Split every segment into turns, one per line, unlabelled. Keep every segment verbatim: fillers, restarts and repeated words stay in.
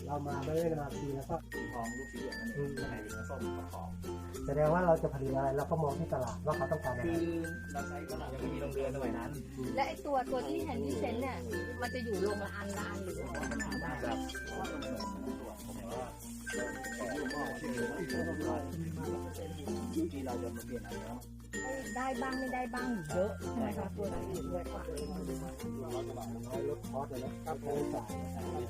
เรามาไม่ได้นาทีแล้วก็
ทองลูกสีเหลืองนั่นเองข้างในเป็นส้มประกอบ
แสดงว่าเราจะผลิตอะไรเราก็มองที่ตลาดว่าเขาต้องการอะไร
คือเราใช้ก็เรายังไม่มีโรงเรือนสมัยนั้น
และไอตัวตัวที่แฮนดี้เซนเนี่ยมันจะอยู่ลงละอันละอันหรือว่ามันหาได้
ครับเพราะว่ามันเหมือนตัวผมว่าที่เราจะมาเปลี่ยนอะไรแล้ว
ได้บ้างไม่ได้บ้างเยอะใช่ไหมคะตัวไหนเยอะกว่า
ลดคอสเลยนะค่าใช้จ่าย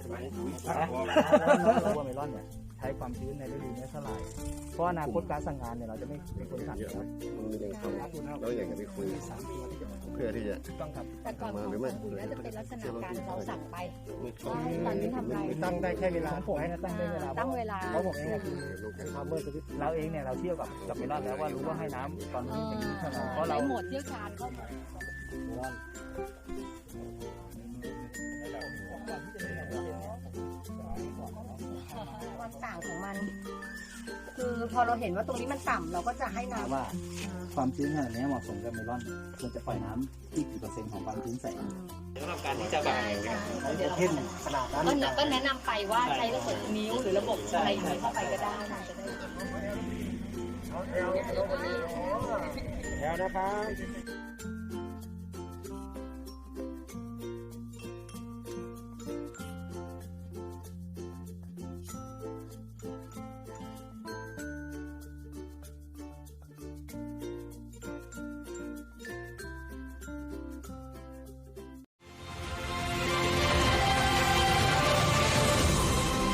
ตัวเมลอนเนี่ยใช้ความชื้นในฤดูนี้เท่าไหร่เพราะอนาคตการสั่งงานเนี่ยเราจะไม่เป็นคนสั่งเยอะ
เราอยากจะไปคุยเพื่อที่จะ
ต้องครับแต่ก่อนของคุณน่าจะเป็นลักษณะการเราสั่งไปตอนนี้ทำไร
ตั้งได้แค่เวลาผมตั้งได้เวลา
ตั้งเวลา
เพราะผมเองคือเราเองเนี่ยเราเที่ยวกับกับเมลอนแล้วว่ารู้ว่าให้น้ำตอนนี้อย่างนี้เท่าไหร่เพราะเรา
หมดเที่ยวชาญเข้ามาความต่างของมันคือพอเราเห็นว่าตรงนี้มันต่ำเราก็จะให้น้ำ
ว่าความชื้นขนาดนี้เหมาะสมกับเมลอนควรจะปล่อยน้ำที่กี่เปอร์เซ็นต์ของความชื้นใส่สำหรับการที่จะแบบ
เพ่นขนาดนั้น
ก็แนะนำไปว่าใช้ระบบนิ้วหรือระบบอะไรอย่างนี้เข้าไปก็ได้
แล้วนะครับ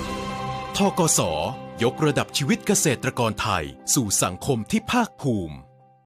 ธ กส ยกระดับชีวิตเกษตรกรไทยสู่สังคมที่ภาคภูมิ